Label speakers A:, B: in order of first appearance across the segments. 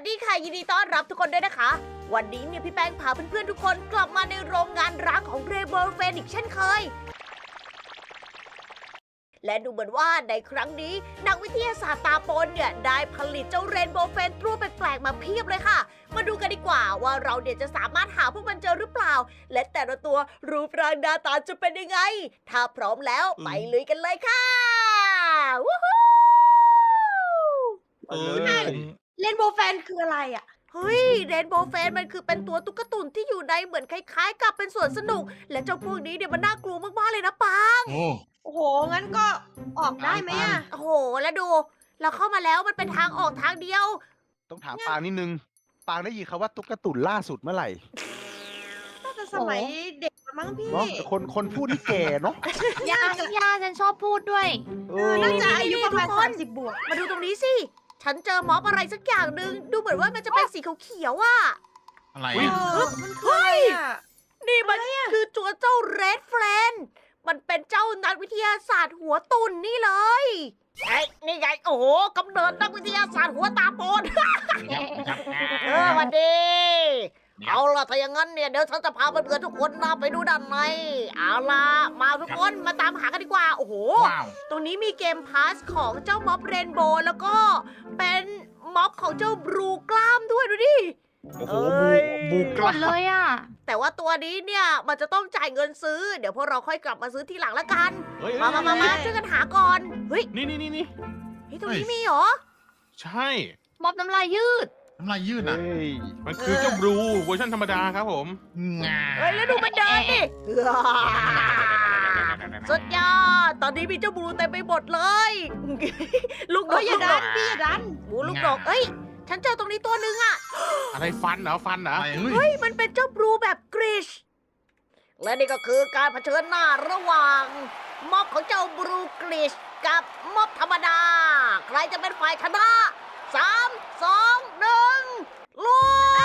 A: ดีค่ะยินดีต้อนรับทุกคนด้วยนะคะ วันนี้เนี่ยพี่แป้งพาเพื่อนๆทุกคนกลับมาในโรงงานร้างของเรเบิลเฟนอีกเช่นเคย และดูเหมือนว่าในครั้งนี้นักวิทยาศาสตร์ตาปนเนี่ยได้ผลิตเจ้าเรนโบว์เฟนตัวแปลกๆมาเพียบเลยค่ะ มาดูกันดีกว่าว่าเราเนี่ยจะสามารถหาพวกมันเจอหรือเปล่า และแต่ละตัวรูปร่างหน้าตาจะเป็นยังไง ถ้าพร้อมแล้วไปลุยกันเลยค่ะวู้ฮู้
B: เล่นโบว์แฟนคืออะไรอ่ะ
A: เฮ้ยเรนโบว์เฟนมันคือเป็นตัวตุ๊กตุนที่อยู่ในเหมือนคล้ายๆ กับเป็นสวนสนุก และเจ้าพวกนี้เนี่ยมันน่ากลัวมากๆเลยนะปัง
C: โอ้
B: โอ้โห งั้นก็ออกได้ไหมอ่ะ
A: โอ้โห แล้วดู เราเข้ามาแล้วมันเป็นทางออกทางเดียว
D: ต้องถามปางนิดนึง ปางได้ยินคำว่าตุ๊กตุ่นล่าสุดเมื่อไหร่
B: น่าจะสมัยเด็กมั้งพี่
D: เนาะแต่คนพูดที่แก่เนาะ
E: ย่าฉันชอบพูดด้วย
D: เอ
B: น่าจะ
A: นี่
B: อายุประมาณ
A: ทุกคน
B: 30 บวก
A: มาดูตรงนี้สิ ฉันเจอม็อบอะไรสักอย่างหนึ่งดูเหมือนว่ามันจะเป็นสีเขียวๆอ่ะ
C: อะไร
B: เอ
C: อ่ะ
B: อมันคืออะไรอ่ะ
A: นี่มันคือตัวเจ้าเรดเฟรนมันเป็นเจ้านักวิทยาศาสตร์หัวตุ่นนี่เลยไอ้นี่ไง โอ้โหกำเนิดนักวิทยาศาสตร์หัวตาโปน สวัสดี เอาล่ะถ้าอย่างนั้นเนี่ยเดี๋ยวฉันจะพาเพื่อนๆทุกคนนะไปดูด้านใน เอาล่ะมาทุกคนมาตามหากันดีกว่า โอ้โห
C: ว้าว
A: ตรงนี้มีเกมพาสของเจ้าม็อบเรนโบว์แล้วก็เป็นม็อบของเจ้าบลูกล้ามด้วยดูดิ
D: โอ้โห
A: เอ้ย
D: บูก
E: หม
D: ล้า
E: ดเลยอ่ะ
A: แต่ว่าตัวนี้เนี่ยมันจะต้องจ่ายเงินซื้อ เดี๋ยวพวกเราค่อยกลับมาซื้อทีหลังละกัน
C: เฮ้ย
A: มาช่วยกันหาก่อน เฮ้ย
C: นี่
A: เฮ้ยตรงนี้มีเหรอ
C: ใช่
E: ม็อบน้ำลายยืด
C: น้ำลายยืดอ่ะ
D: เฮ้ย
C: มันคือเจ้าบลูเวอร์ชันธรรมดาครับผมงา
A: เฮ้ยแล้วดูมันเดินดิสุดยอด ตอนนี้มีเจ้าบลูเต็มไปหมดเลย ลูกด
B: เฮ้
A: ก
B: ยอย่าดันพี่อย่าดัน
A: หมูลูกดกเอ้ย ฉันเจอตรงนี้ตัวหนึ่งอะ
C: อะไรฟันเหรอ
D: อะไรเฮ้ย
A: เฮ้ย มันเป็นเจ้าบลูแบบกริช และนี่ก็คือการเผชิญหน้าระหว่างม็อบของเจ้าบลูกริชกับม็อบธรรมดา ใครจะเป็นฝ่ายชนะ3 2 1ลุ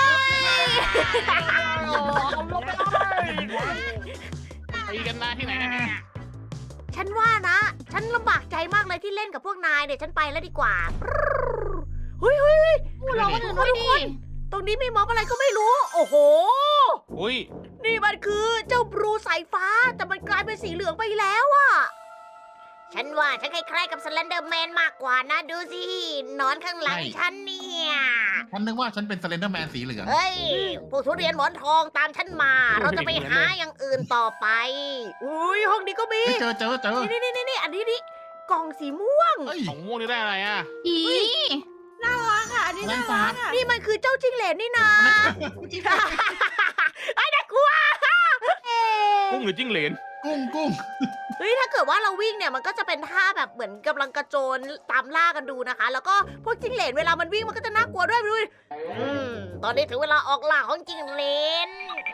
A: ย
C: ตีกันได้ที่ไหนเนี่ย
A: ฉันว่านะ ฉันลำบากใจมากเลยที่เล่นกับพวกนายเนี่ยฉันไปแล้วดีกว่าเฮ้ย
E: เราก็ถึงด้วยดิ
A: ตรงนี้มีม็อบอะไรก็ไม่รู้ โอ้โห
C: อุ้ย
A: นี่มันคือเจ้าบลูสายฟ้า แต่มันกลายเป็นสีเหลืองไปแล้วอะฉันว่าฉันคล้ายๆกับสแลนเดอร์แมนมากกว่านะ ดูสินอนข้างหลังฉันเนี่ย
C: ฉันนึกว่าฉันเป็นสเลนเดอร์แมนสีเหลือง
A: เฮ้ยพวกทุเรียนหมอนทองตามฉันมา เราจะไปหาอย่างอื่นต่อไป อุ้ยห้องนี้ก็มี
C: เจอ
A: นี่อันนี้นี่กล่องสีม่วง
C: เฮ้ยของม่วงนี่ได้อะไรอ่ะ
E: อี
B: น่ารักอ่ะ อันนี้น่ารักอ่ะ
A: นี่มันคือเจ้าจิ้งเหลนนี่นา
B: จริง
A: ไอ้น่ากลัว
C: กุ้งหรือจิ้งเหลน กุ้ง
A: เฮ้ยถ้าเกิดว่าเราวิ่งเนี่ยมันก็จะเป็นท่าแบบเหมือนกำลังกระโจนตามล่ากันดูนะคะ แล้วก็พวกจิ้งเหลนเวลามันวิ่งมันก็จะน่ากลัวด้วยดูดิตอนนี้ถึงเวลาออกล่าของจิ้งเหลน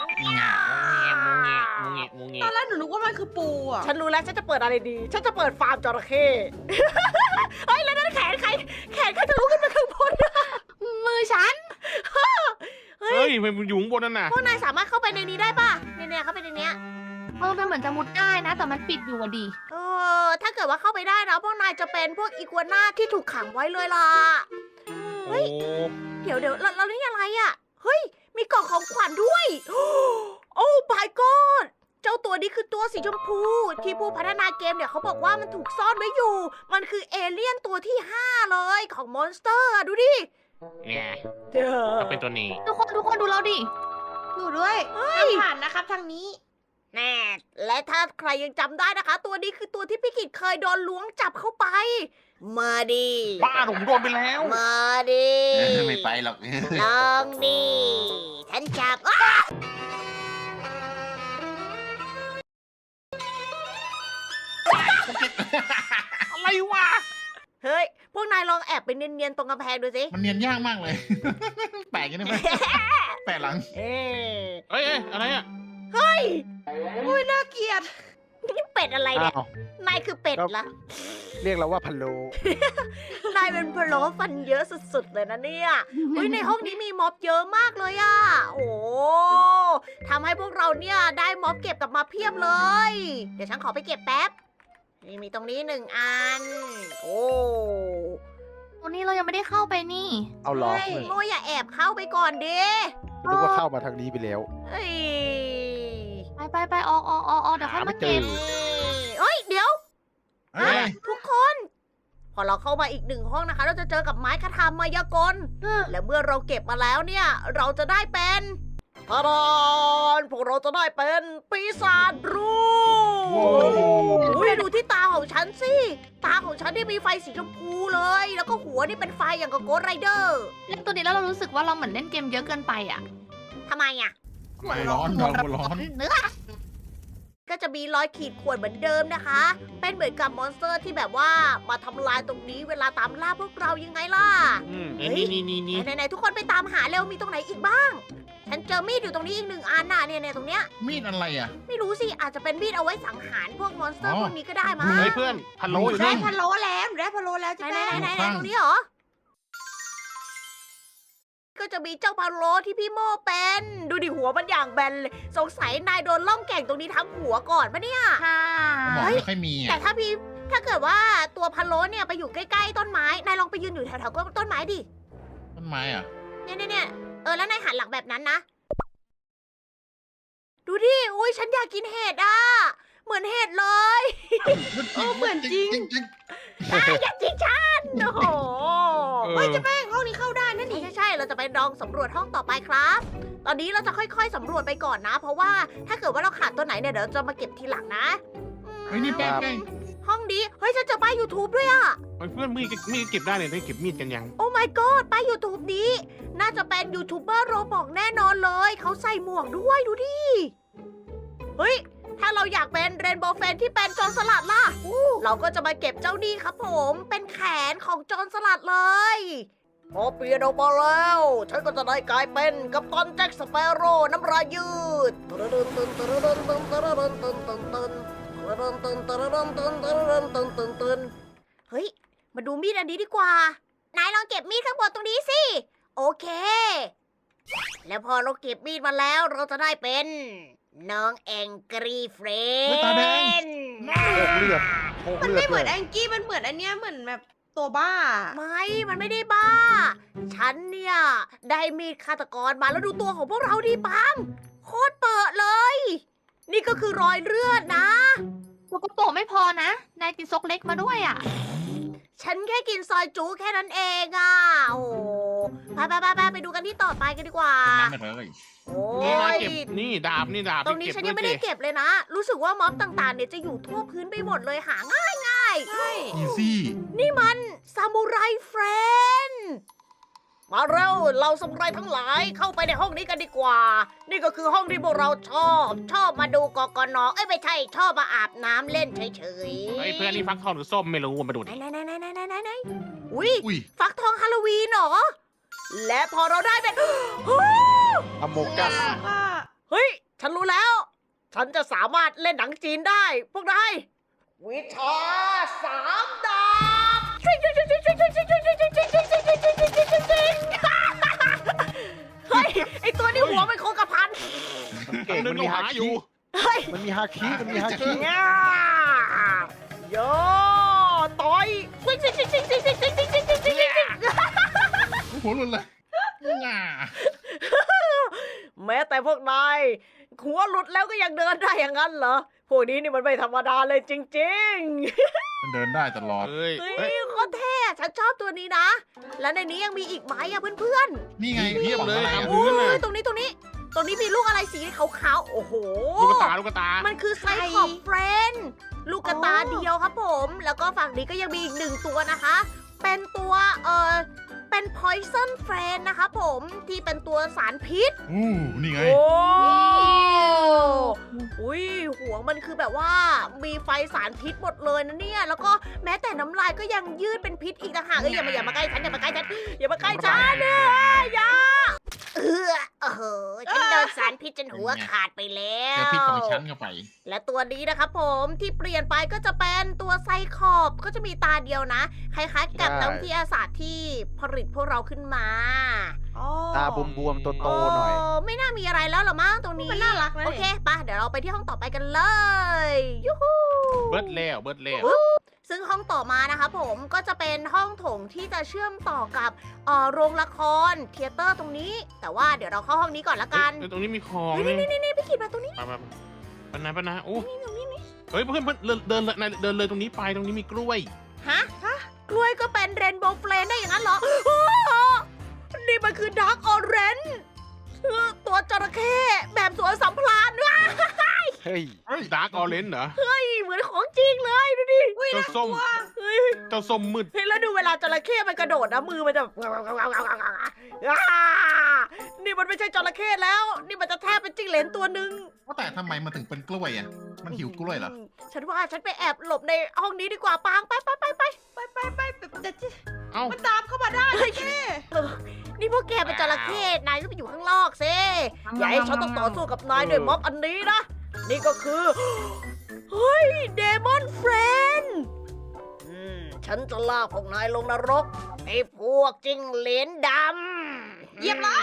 B: ตอนแรกหนูนึกว่ามันคือปูอ่ะ
A: ฉันรู้แล้วฉันจะเปิดอะไรดี ฉันจะเปิดฟาร์มจระเข้ เฮ้ยแล้วนั่นแขนใครทะลุขึ้นไปข้างบน
E: มือฉัน
A: เฮ้
C: เฮ้
A: ย
C: ยมันอยู่ข้างบนนั่นน่ะ
A: พวกนายสามารถเข้าไปในนี้ได้ป่ะเนี่ยเข้าไปในเนี้ย
E: มันเหมือนจะมุดได้นะ แต่มันปิดอยู่อะดิ
A: ถ้าเกิดว่าเข้าไปได้นะพวกนายจะเป็นพวกอีกัวน่าที่ถูกขังไว้เลยล่ะ เฮ้
C: โอ้
A: ย เดี๋ยวเรานี่อะไรอ่ะ เฮ้ย มีกล่องของขวัญด้วย โอ้ my god เจ้าตัวนี้คือตัวสีชมพู ที่ผู้พัฒนาเกมเนี่ยเขาบอกว่ามันถูกซ่อนไว้อยู่ มันคือเอเลี่ยนตัวที่ 5 เลยของมอนสเตอร์ดูดิ
C: เนี่ย
A: เด้อ
C: ก็เป็นตัวนี้
E: ทุกคนดูเราดิ
B: อยู่ด้วยห้ามผ่านนะครับทางนี้
A: แน่ และถ้าใครยังจำได้นะคะ ตัวนี้คือตัวที่พี่กิจเคยโดนล้วงจับเข้าไป มาดิ
C: บ้าผมโดนไปแล้ว
A: มาดิ
C: ไม่ไปหรอก
A: ลองดิฉันจับอ้า
C: อะไรวะ
A: เฮ้ย พวกนายลองแอบไปเนียนๆตรงกำแพงดูสิ
C: มันเนียนยากมากเลย แปลกยังได้ไหมแปลกหลัง
A: เอ๊ะ
C: เอ้ยอะไรอ่ะ
B: อุ้ยน่าเกลียด
A: นี่เป็ดอะไรเนี่ย
D: อ้าว
A: นายคือเป็ดละ
D: เรียกเราว่าพะโล
A: นายเป็นพะโล้ฟันเยอะสุดๆเลยนะเนี่ยอุ้ยในห้องนี้มีม็อบเยอะมากเลยอะโอ้ทำให้พวกเราเนี่ยได้ม็อบเก็บกลับมาเพียบเลย เดี๋ยวฉันขอไปเก็บแป๊บ นี่มีตรงนี้1 อัน โอ้
E: ตัวนี้เรายังไม่ได้เข้าไปนี่
D: เอาล้อ
A: โมอย่าแอบเข้าไปก่อนดิ
D: นึกว่าเข้ามาทางนี้ไปแล้ว
A: เอ้ย
E: ไปออกเดี๋ยวค่อยมาเก็บ
A: เอ้ยเดี๋ยว
C: เฮ้ย
A: ทุกคน พอเราเข้ามาอีกหนึ่งห้องนะคะ เราจะเจอกับไม้คาถามายากล และเมื่อเราเก็บมาแล้วเนี่ย เราจะได้เป็นทารานพวกเราจะได้เป็นปีศาจรู
C: โอ้
A: อุ้ยดูที่ตาของฉันสิ ตาของฉันที่มีไฟสีชมพูเลย แล้วก็หัวนี่เป็นไฟอย่างกับโกดไรเดอร์
E: เล่นตัวนี้แล้วเรารู้สึกว่าเราเหมือนเล่นเกมเยอะเกินไปอ่ะ
A: ทำไมอ่ะ
C: ไม่ร้อนเราร้อน
E: เนื้อ
A: ก็จะมีรอยขีดข่วนเหมือนเดิมนะคะ เป็นเหมือนกับมอนสเตอร์ที่แบบว่ามาทำลายตรงนี้เวลาตามล่าพวกเรายังไงล่ะ เฮ้ย
C: นี่
A: ไหนๆทุกคนไปตามหาเร็วมีตรงไหนอีกบ้าง ฉันเจอมีดอยู่ตรงนี้อีกหนึ่งอันน่ะเนี่ยตรงเนี้ย
C: มีดอะไรอ่ะ
A: ไม่รู้สิอาจจะเป็นมีดเอาไว้สังหารพวกมอนสเตอร์
C: อ๋อ
A: พวกนี้ก็ได้มั้ง
D: เฮ้ยเพื่อนพะโล้อยู่
B: ได้
D: นี่
B: พะโล้แล้วได้พะโล้แล้ว
A: ไหน
B: จ้ะ
A: ไหน
B: แม่
A: ไหนไหน
C: ข้าง
A: ตรงนี้เหรอ ก็จะมีเจ้าพาโลที่พี่โมเป็น ดูดิหัวมันอย่างแบนเลย สงสัยนายโดนล่องแก่งตรงนี้ทั้งหัวก่อนปะเนี่ย
E: ค่ะ
C: หมอไม่ค่อยมี
A: แต่
C: อ่ะ
A: ถ้าเกิดว่าตัวพาโลเนี่ยไปอยู่ใกล้ๆต้นไม้ นายลองไปยืนอยู่แถวๆต้นไม้ดิ
C: ต้นไม้อ่ะ
A: เนี่ยแล้วนายหันหลังแบบนั้นนะ ดูดิ อุ้ยฉันอยากกินเห็ดอ่ะ เหมือนเห็ดเลย
B: เหมือนจริง
A: นายอยากกินฉัน โอ้โห
B: เฮ้ยเจ้าแป้งห้องนี้เข้าได้นั่นนี่
A: ใช่เราจะไปลองสำรวจห้องต่อไปครับ ตอนนี้เราจะค่อยๆสำรวจไปก่อนนะ เพราะว่าถ้าเกิดว่าเราขาดตัวไหนเนี่ยเดี๋ยวจะมาเก็บทีหลังนะ
C: เฮ้ยนี่แป้ง
A: ห้องนี้ เฮ้ยฉันเจอป้าย YouTube ด้วยอะ
F: เพื่อนมีดเก็บได้เนี่ยได้เก็บมีดกันยัง
A: โอ้ my god ป้าย YouTube นี้ น่าจะเป็นยูทูบเบอร์โรบอกแน่นอนเลย เขาใส่หมวกด้วยดูดิ เฮ้ย ถ้าเราอยากเป็นเรนโบว์เฟนที่เป็นโจรสลัดล่ะ เราก็จะมาเก็บเจ้านี่ครับผม เป็นแขนของโจรสลัดเลยพอเปลี่ยนออกมาแล้ว ฉันก็จะได้กลายเป็นกัปตันแจ็คสเปโร่น้ำลายยืดเฮ้ย มาดูมีดอันนี้ดีกว่า นายลองเก็บมีดข้างบนตรงนี้สิ โอเค แล้วพอเราเก็บมีดมาแล้วเราจะได้เป็นน้องแองกรีเฟร
C: อุ๊ยตาแดง
A: น
D: โคก
B: มัน
D: เลือด
B: ไม่เหมือน
D: ด้วย
B: แองกี้มันเหมือนอันเนี้ยเหมือนแบบตัวบ้า
A: ไม่ มันไม่ได้บ้า ฉันเนี่ย ได้มีดฆาตกรมาแล้วดูตัวของพวกเราดิปัง โคตรเปิดเลย นี่ก็คือรอยเลือดนะ
E: ตัวกระโปรงไม่พอนะ นายกินซกเล็กมาด้วยอ่ะ
A: ฉันแค่กินซอยจูแค่นั้นเองอ่ะ โอ้โหไปดูกันที่ต่อไปกันดีกว่า
C: น้ำไม่เลย
A: โอ้
F: นี่นาย
A: ย
F: เก็บนี่ดาบนี่ดาบ
A: ตรงนี้ฉันยังไม่ได้เก็บเลยนะ รู้สึกว่าม็อบต่างๆเนี่ยจะอยู่ทั่วพื้นไปหมดเลยหาง่าย
B: ใช่
C: อีซี่
A: นี่มันซามูไรเฟรนด์มาเร็วเราซามูไรทั้งหลายเข้าไปในห้องนี้กันดีกว่า นี่ก็คือห้องที่พวกเราชอบมาดูกกนเอ้ยไม่ใช่ชอบมาอาบน้ำเล่นเฉยๆ
F: เฮ้ยเพื่อนนี่ฟักทองหรือส้มไม่รู้มาดูดิ
A: ไหนอุ้ย
C: อุ้ย
A: ฟักทองฮาโลวีนเหรอ และพอเราได้เป็น
D: อโมกัส
B: ว่า
A: เฮ้ย ฉันรู้แล้ว ฉันจะสามารถเล่นหนังจีนได้ พวกนายวิชาสามดาบเฮ้ย ไอตัวนี้หัวมันโคงกระพัน
D: เก่งมันมีฮา
F: อยู่
D: คิ
A: เฮ้ย
D: มันมีฮาคิมันมีฮาคิ
A: ง่าโยต่อย
C: หัวหลุดเลยง่า
A: แม้แต่พวกนายหัวหลุดแล้วก็ยังเดินได้อย่างนั้นเหรอ พวกนี้นี่มันไม่ธรรมดาเลยจริง
C: มันเดินได้ตลอด
F: เฮ้ย
A: ๆ เฮ้
F: เฮ้ย
A: ยโคตรเท่อะฉันชอบตัวนี้นะ แล้วในนี้ยังมีอีกไหมอะเพื่อน
C: นี่ไง
F: เพียบเลย
C: ของอะไร
A: ๆ
C: อะ
A: โอ้ยตรงนี้มีลูกอะไรสีขาวๆ โอ้โห
F: ลูกตา
A: มันคือไซคอบเฟรนลูกกระตาเดียวครับผม แล้วก็ฝั่งนี้ก็ยังมีอีกหนึ่งตัวนะคะ เป็นตัวเป็น poison friend นะคะผมที่เป็นตัวสารพิษ
C: อู้นี่ไง
A: โอ้อุ้ยหัวมันคือแบบว่ามีไฟสารพิษหมดเลยนะเนี่ย แล้วก็แม้แต่น้ำลายก็ยังยืดเป็นพิษอีกต่างหากอย่ามาใกล้ฉันอย่ามาใกล้ฉันเนี่ยอย่าโอ้โหฉันโดนสารพิษจนหัวขาดไปแล้
C: เจอ
A: ว
C: พิษของฉันเข้าไป
A: และตัวนี้นะครับผมที่เปลี่ยนไปก็จะเป็นตัวไซคอบก็จะมีตาเดียวนะ คล้ายๆกับนักวิทยาศาสตร์ที่ผลิตพวกเราขึ้นมา
D: ตาบวมๆโตๆหน่อย
A: ไม่น่ามีอะไรแล้วหรอมั้งตรงนี้
B: มันน่ารักนะ
A: โอเคปะเดี๋ยวเราไปที่ห้องต่อไปกันเลย ยูฮู
F: เบิร์ดแล้ว
A: ซึ่งห้องต่อมานะคะผมก็จะเป็นห้องโถงที่จะเชื่อมต่อกับโรงละครเธียเตอร์ตรงนี้ แต่ว่าเดี๋ยวเราเข้าห้องนี้ก่อนละกัน
F: เฮ้ยตรงนี้มีของ
A: เฮ้ยนี่พี่ขีดมาตรงนี้
F: ไปปะนะโอ้เฮ้ยเพื่อนเดินเลยตรงนี้ไปตรงนี้มีกล้วย
A: ฮะกล้วยก็เป็นเรนโบว์เฟลนได้อย่างนั้นเหรอนี่มันคือดาร์กออเรนจ์ตัวจระเข้แบบสวนสัมพลานด้วย
D: เฮ้ย
F: ดาร์กออเรนจ์เหรอ
A: เหมือนของจริงเลยดูดิ
F: เจ้าส้ม
A: เฮ้ย
F: เจ้าส้มมืด
A: เฮ้ยแล้วดูเวลาจระเข้มันกระโดดนะมือมันจะนี่มันไม่ใช่จระเข้แล้ว นี่มันจะแทบเป็นจิ้งเหลนตัวหนึ่ง
C: ว่าแต่ทำไมมันถึงเป็นกล้วยอ่ะ มันหิวกล้วยเหรอ
A: ฉันว่าฉันไปแอบหลบในห้องนี้ดีกว่าปางไป
B: แต่ที่
F: เอ้า
B: มันตามเข้ามาได้เจ๊
A: นี่พวกแกเป็นจระเข้นายก็ไปอยู่ข้างนอกสิอย่าให้ฉันต้องต่อสู้กับนายด้วยม็อบอันนี้นะนี่ก็คือเฮ้ยเดมอนเฟรนฉันจะลากพวกนายลงนรกไอ้พวกจิ้งเหลนดำ
B: เหยียบเลย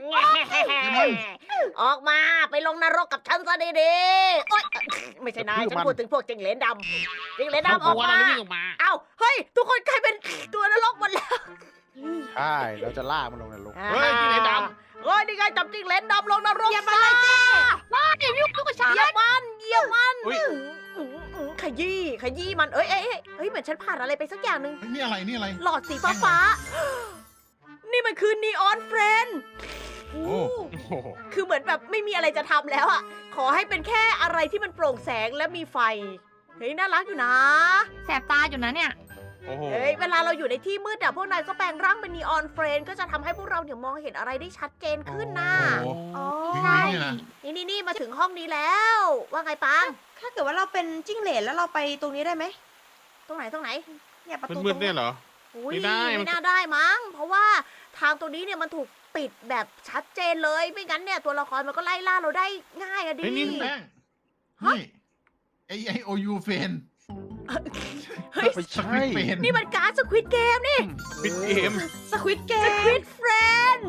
A: ออกมาไปลงนรกกับฉันซะดีๆโอ๊ยไม่ใช่นายฉันพูดถึงพวกจิ้งเหลนดำจิ้งเหลน
F: เขา
A: ดำออก
F: กลัวอะไร
A: มา
F: วิ่งออกมา
A: เอ้าเฮ้ยทุกคนกลายเป็นตัวนรกหมดแล้ว
D: ใช่ เราจะลากมันลงนรก
F: เฮ้ยจิ้งเหลนด
A: เฮ้ยนี่ไงจับจิ้งเหลนดำลงนรก
B: เหยียบมาเลยเจ๊
A: เหยียบมันขยี้มันเอ้ยเหมือนฉันผ่านอะไรไปสักอย่างหนึ่ง
C: เฮ้ยนี่อะไรนี่อะไร
A: หลอดสีฟ้านี่มันคือนีออนเฟรน
C: โอ้
F: โอ้โห
A: คือเหมือนแบบไม่มีอะไรจะทำแล้วอ่ะขอให้เป็นแค่อะไรที่มันโปร่งแสงและมีไฟเฮ้ยน่ารักอยู่นะ
E: แสบตาอยู่นะเนี่ย
F: โอ้โห
A: เฮ้ยเวลาเราอยู่ในที่มืดอะพวกนายก็แปลงร่างเป็นนีออนเฟรนก็จะทำให้พวกเราเนี่ยมองเห็นอะไรได้ชัดเจนขึ้นนะ
C: โห
B: อ๋อ
C: วิ่งวิ่งเนี่ยนะ
A: นี่มาถึงห้องนี้แล้ว ว่าไงปัง
B: ถ้าเกิดว่าเราเป็นจิ้งเหลนแล้วเราไปตรงนี้ได้ไหม
A: ตรงไหน
B: เนี่ยประตู
F: มืดๆเนี่ยเหรอ
A: อุ้ย
F: ไม่ได้มัน
A: ไม่น่าได้มั้ง เพราะว่าทางตรงนี้เนี่ยมันถูกปิดแบบชัดเจนเลย ไม่งั้นเนี่ยตัวละครมันก็ไล่ล่าเราได้ง่ายอะดิ
F: เฮ้ยนี่
C: แป้งนี่AIOU เฟน
D: ไม่ใช่
C: เฟน
A: นี่มันการ์ดสควิดเกมนี่
F: ปิดเกม
B: สควิตเก
A: สควิ
B: ม
A: ดเฟรน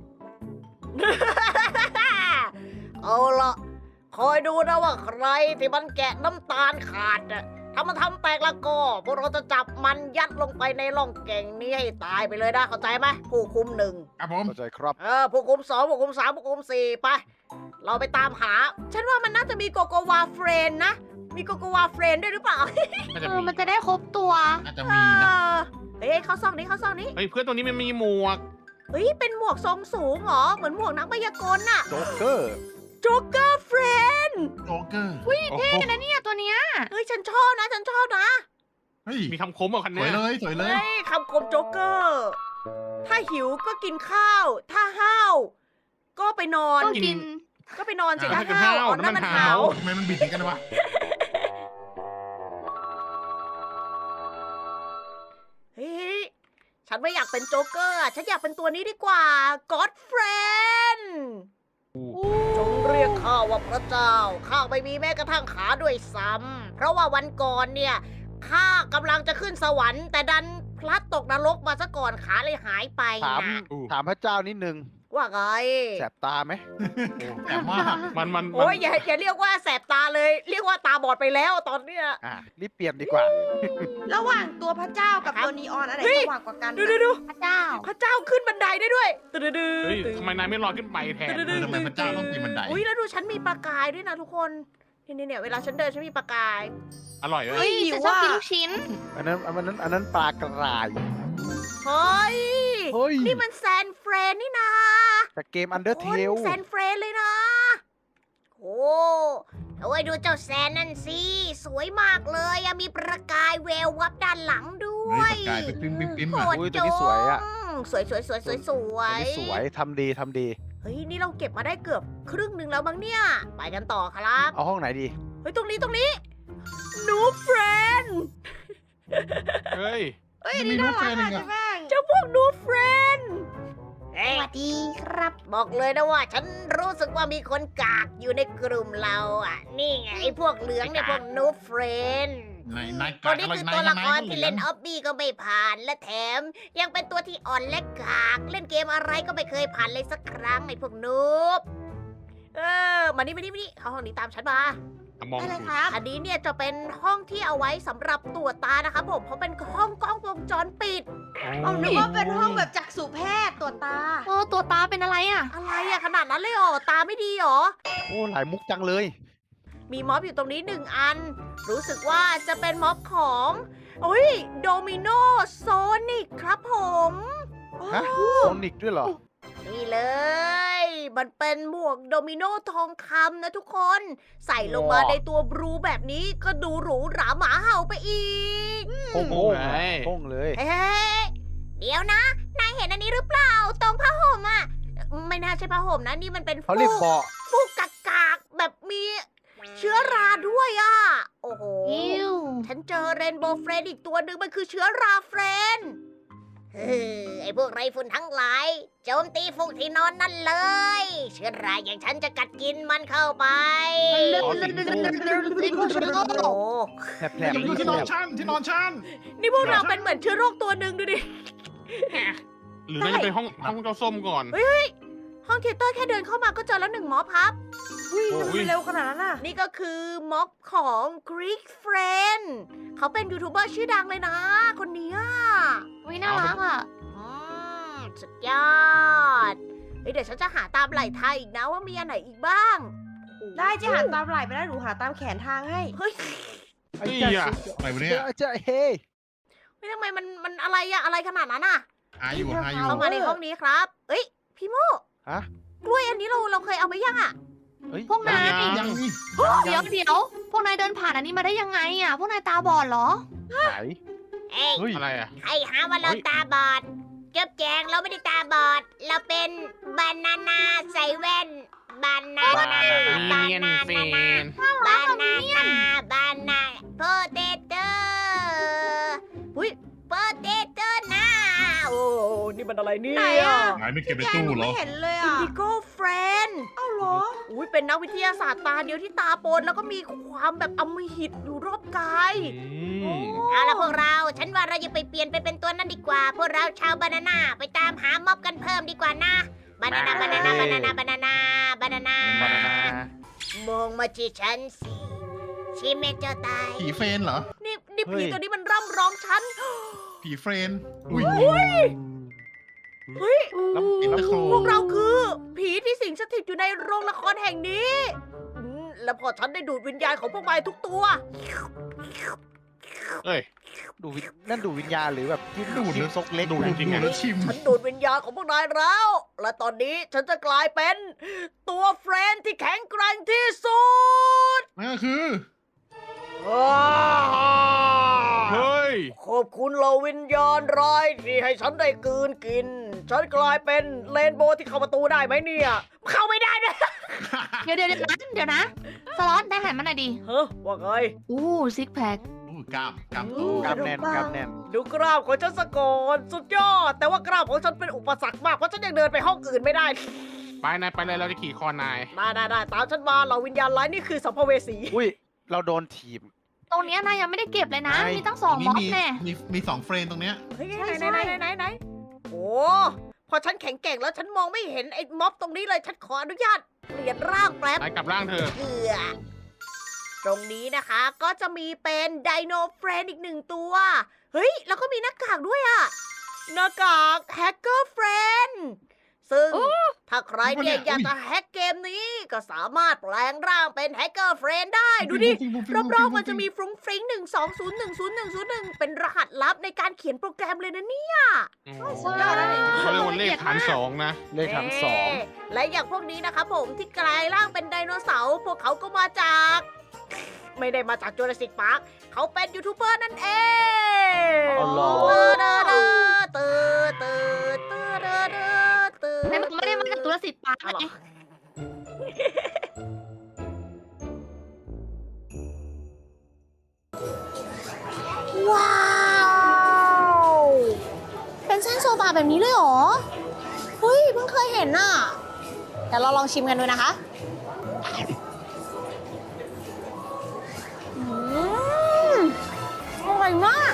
A: เอาละคอยดูนะว่าใครที่มันแกะน้ำตาลขาดอะถ้ามันทำแตกละก็พวกเราจะจับมันยัดลงไปในร่องแก่งนี้ให้ตายไปเลยนะเข้าใจไหมผู้คุมหนึ่ง
C: ครับผม
D: เข้าใจครับ
A: ผู้คุม2ผู้คุม3ผู้คุม4ไป เราไปตามหา ฉันว่ามันน่าจะมีโกโกวาเฟรนนะ มีโกโกวาเฟรนด้วยหรือเปล่า
F: น่าจะ
E: มันจะได้ครบตัว
C: อาจจะมีนะ
A: เฮ้ยเข้าซองนี้เข้าซองนี้
F: เฮ้ยเพื่อนตัวนี้มันมีหมวก
A: เฮ้ย เป็นหมวกทรงสูงเหรอ เหมือนหมวกนักพยากรณ์น่ะ
D: โจ๊กเกอร์
A: โจ๊กเกอร์เฟรน
C: โจ๊กเกอร์
F: โอ้โห
E: นะเนี่ยตัวเนี้ย
A: เฮ้ย ฉันชอบนะ ฉันชอบนะ
C: เฮ้ย
F: มีคำคมกับคัน
C: ส
F: เนี้
C: วย
F: ย
C: เลยสวยเลย
A: เฮ้ยคำคมโจ๊กเกอร์ ถ้าหิวก็กินข้าว ถ้าห้าว ก็ไปนอน
E: ต้องกิน
A: ก็ไปนอนสิถ้า
F: กิน
A: ห้าว
F: ข้าว
A: อ๋อนั่นมัน
F: น้ำมัน
A: หา
F: หาว ว
C: ทำไมมันบิดอย่างกันวะ
A: เฮ้ย ฉันไม่อยากเป็นโจ๊กเกอร์อะฉันอยากเป็นตัวนี้ดีกว่า God Friend จงเรียกข้าว่าพระเจ้า ข้าไม่มีแม้กระทั่งขาด้วยซ้ำ เพราะว่าวันก่อนเนี่ย ข้ากำลังจะขึ้นสวรรค์ แต่ดันพลัดตกนรกมาซะก่อนขาเลยหายไป
D: ถาม
A: นะ
D: ถามพระเจ้านิดนึง
A: ว่าไง
D: แสบตาไหม
C: แต่ว่า
F: มัน
A: โอ้ยอย่าเรียกว่าแสบตาเลย เรียกว่าตาบอดไปแล้วตอนเนี้ย
D: รีบเปลี่ยนดีกว่า
B: ระหว่างตัวพระเจ้ากับ
A: ครับ
B: ตัวนีออนอะไร
A: เฮ้ย
B: สว่างกว่ากัน
A: ดู
E: พระเจ้า
A: พระเจ้าขึ้นบันไดได้ด้วยดื้อ
F: เฮ้ยทำไมนายไม่ลอยขึ้นไปแทน
C: ทำไมพระเจ้าต้องปีนบันได
A: อุ้ยแล้วดูฉันมีประกายด้วยนะทุกคนเนี่ยเวลาฉันเดินฉันมีประกาย
F: อร่อยเลย
E: เฮ้ยฉันชอบกินลูกชิ้น
D: อันนั้นปลากระไราย
A: เฮ้ย
D: เฮ้ย
A: นี่มันแซนเฟรนนี่นะ
D: จากเกม Undertale
A: แซนเฟรนเลยนะ โอ้โอ้ยดูเจ้าแซนนั่นสิ สวยมากเลยอะมีประกายแวววับด้านหลังด้ว
C: เฮ้
A: ย
C: ยปากกายไปปิ้มปิ้มปิ้ม
A: โห
C: อ่ะ
A: ด
D: อุ้ย
A: จ
D: ตัวนี้สวยอะ
A: สวย
D: ตัวนี้สวยทำดี
A: เฮ้ยนี่เราเก็บมาได้เกือบครึ่งหนึ่งแล้วมั้งเนี่ย ไปกันต่อครับ
D: เอาห้องไหนดี
A: เฮ้ยตรงนี้นูเฟรน
F: เฮ้ย
B: เอ้ยอันนี่น่ารักอ่ะใช่ไหม
A: เจ้าพวกนูเฟรน
E: สวัสดีครับ
A: บอกเลยนะว่า ฉันรู้สึกว่ามีคนกากอยู่ในกลุ่มเราอ่ะ นี่ไงไอ้พวกเหลืองเนี่ยพวกนูเฟรน
C: นาย
A: ค
C: กาน
A: นี้
C: อะไร
A: คือน
C: าย
A: ตัวละคร
C: นาย
A: ที่เล่นออบบี้ก็ไม่ผ่านและแถม ยังเป็นตัวที่อ่อนและกากเล่นเกมอะไรก็ไม่เคยผ่านเลยสักครั้งไอ้พวกนูบมานี่เข้าห้องนี้ตามฉันมา
F: มอง
B: ได้เลย
F: ดู
B: ครับ
A: อันนี้เนี่ยจะเป็นห้องที่เอาไว้สำหรับตรวจตานะครับผม เพราะเป็นห้องกล้องวงจรปิด
B: เอานึกว่าเป็นห้องแบบจักษุแพทย์ตรวจตา
E: ตัวตาเป็นอะไรอ่ะ
A: อะไรอะขนาดนั้นเลยเหรอ ตาไม่ดีเหรอ
D: โอ้หลายมุกจังเลย
A: มีม็อบอยู่ตรงนี้หนึ่งอัน รู้สึกว่าจะเป็นม็อบของอุ้ยโดมิโนโซนิกครับผม
D: ฮะโซนิกด้วยเหรอ
A: นี่เลย มันเป็นหมวกโดมิโนทองคำนะทุกคน ใส่ลงมา
D: ว้าว
A: ในตัวบลูแบบนี้ก็ดูหรูหราหมาเห่าไปอีก
D: โป้ง
F: โอ้
D: โป้ง
F: ไง
D: โป้งเลย
A: เฮ้ยเดี๋ยวนะ นายเห็นอันนี้หรือเปล่า ตรงผ้าห่มอ่ะ ไม่น่าใช่ผ้าห่มนะ นี่มันเป็น
D: เขาเรียกเบาะ
A: ฟูกกากๆแบบมีเชื้อราด้วยอ่ะ โอ้โห
E: อิว
A: ฉันเจอเรนโบว์เฟรนอีกตัวหนึ่งมันคือเชื้อราเฟรนเฮ้ยไอพวกไรฝุ่นทั้งหลาย โจมตีฟูกที่นอนนั่นเลย เชื้อราอย่างฉันจะกัดกินมันเข้าไป
F: อ๋อสีม่วง
A: โอ้
D: แผลบ
C: อย่าไปดูที่นอนชั้นที่นอนชั้น
A: นี่พวกเราเป็นเหมือนเชื้อโรคตัวหนึ่งดูดิ
F: หรือน่าจะเป็นห้องเจ้าส้มก่อน
A: ห้องเทยเตอร์แค่เดินเข้ามาก็เจอแล้วหนึ่งม็อบครับ
B: อุ้ยทำไมเร็วขนาดนั้นน่ะ
A: นี่ก็คือม็อบของ Greek Friend เขาเป็นยูทูบเบอร์ชื่อดังเลยนะ คนเนี้ย
E: วิน่ารักอ่ะ
A: สุดยอดเฮ้ยเดี๋ยวฉันจะหาตามไหล่ไทยอีกนะว่ามีอันไหนอีกบ้าง
B: ได้จะหาตามไหล่ไปได้หนูหาตามแขนทางให้
A: เฮ้ย
D: ไอ้
F: นี่
D: เจ้า
F: อ่ะ
C: อะไรวะเนี่ย
D: เจ้าเฮ้ย
A: ไม่ทำไมมันอะไรอะอะไรขนาดนั้นอะ
C: หาอยู่หาอยู่
A: เข้ามาในห้องนี้ครับ เอ้ยพี่โม
D: ฮะ
A: กล้วยอันนี้เราเคยเอาไปยังอะ
D: เฮ้ย
E: พวกนาย
C: ยังนี่
E: เดี๋ยวพวกนายเดินผ่านอันนี้มาได้ยังไงอ่ะ พวกนายตาบอดเหรอ
D: ไหน
A: เอ้ย
D: เฮ้ย
F: อะไรอ่ะ
A: ใครหาว่าเราตาบอดเจ็บแจงเราไม่ได้ตาบอด เราเป็นบานาน่าใส่แว่นบานาน่าบา
F: เนียน
A: นา
F: เฟ
A: น่าน บานาน่าบานาโพเตโต้อุ้ยโพเตโต้นะโอ้นี่มันอะไรเนี่ย
B: ไหนอะ
C: หายไม่เก็บใน
B: แก
C: ตู้
B: หนู
C: เหร
B: ไม่
C: อ
B: เห็นเลย
A: อิน
B: อ่ะ
A: ดิโก้เฟรน
B: เอ้าเหรอ
A: อุ้ยเป็นนักวิทยาศาสตร์ตาเดียวที่ตาโปนแล้วก็มีความแบบอำมหิตอยู่รอบกาย เอาละพวกเรา ฉันว่าเราอย่าไปเปลี่ยนไปเป็นตัวนั้นดีกว่า พวกเราชาวบานาน่าไปตามหาม็อบกันเพิ่มดีกว่านะ บานาน่าบานาน่าบานาน่าบานาน่าบานาน่า
D: บานาน่าม
A: องมาที่ฉันสิชิเมเจอตาย
C: ผีเฟรนเหรอ
A: นี่ผีตัวนี้มันร่ำร้องฉัน
C: ผีเฟรนอุ้ย
A: เฮ้ย
D: แล้ว
C: อินเตอร์โคร
A: พวกเราคือผีที่สิงสถิตอยู่ในโรงละครแห่งนี้แล้วพอฉันได้ดูดวิญญาณของพวกมันทุกตัว
F: เอ้ย
D: ดูวิญนั่นดูวิญญาณหรือแบบที่ดูดซกเล็ก
F: ดูด
D: นะ
F: จริงๆ
C: ดู
F: อะ
C: แล้วชิม
A: ฉันดูดวิญญาณของพวกนายแล้ว และตอนนี้ฉันจะกลายเป็นตัวเฟรนด์ที่แข็งแกร่งที่สุด
C: นั่นก็คือ
F: เฮ้ย
A: ขอบคุณเหล่าวิญญาณร้ายที่ให้ฉันได้กลืนกิน ฉันกลายเป็นเรนโบว์ที่เข้าประตูได้ไหมเนี่ย เข้าไม่ได้ด้วย
E: เดี๋ยวนะ สล็อตได้หันมาหน่อยดิ
A: เฮ้ยว่าไง
E: อู้ซิกแพค
C: อู้กล้ามกล้ามโต
D: กล้ามแน่นกล้ามแน่น
A: ดูกล้ามของฉันสะก่อนสุดยอด แต่ว่ากล้ามของฉันเป็นอุปสรรคมาก เพราะฉันยังเดินไปห้องอื่นไม่ได้
F: ไปนายไปเลยเราจะขี่คอนาย
A: ได้ตามฉันมาเหล่าวิญญาณร้ายนี่คือสัมภเวสี
D: อุ้ย เราโดนถีบ
E: ตรงเนี้ยนายยังไม่ได้เก็บเลยนะ
D: ไม่
E: มีตั้ง2ม็อบ
C: มี
E: แน่
C: มีสองเฟรนตรงเนี้ย
A: เฮ้ย
E: ใช่
A: ไหนโอ้พอฉันแข็งแกร่งแล้วฉันมองไม่เห็นไอ้ม็อบตรงนี้เลย ฉันขออนุญาตเปลี่ยนร่างแป๊บ
F: นายกลับร่างเธอ
A: เพื่อตรงนี้นะคะก็จะมีเป็นไดโนเฟรนอีกหนึ่งตัว เฮ้ย แล้วก็มีหน้ากากด้วยอะหน้ากากแฮกเกอร์เฟรนซึ่งถ้าใครเนี่ยอยากจะแฮกเกมนี้ก็สามารถแปลงร่างเป็นแฮกเกอร์เฟรนได้ ดูดิ รอบๆมันจะมีฟรุ้งฟริ้ง120100101เป็นรหัสลับในการเขียนโปรแกรมเลยนะเนี่ย
B: สุดยอดแล้วนี่
F: เขาเรียกว่าเลขฐานสองนะ
D: เลขถังสอง
A: และอย่างพวกนี้นะคะผมที่กลายร่างเป็นไดโนเสาร์พวกเขาก็มาจาก ไม่ได้มาจากจูราสสิกพาร์คเขาเป็นยูทูบเบอร์นั่นเอง
D: อ๋อเหรอ
E: นายบอกไม่ได้มาจากตุลสิทธิ์ปาร์ค
A: เอาเหรอ
E: ไง
A: ว้าว เป็นเส้นโซบะแบบนี้เลยเหรอ เฮ้ย เพิ่งเคยเห็นน่ะเดี๋ยวเราลองชิมกันดูนะคะ อร่อยมาก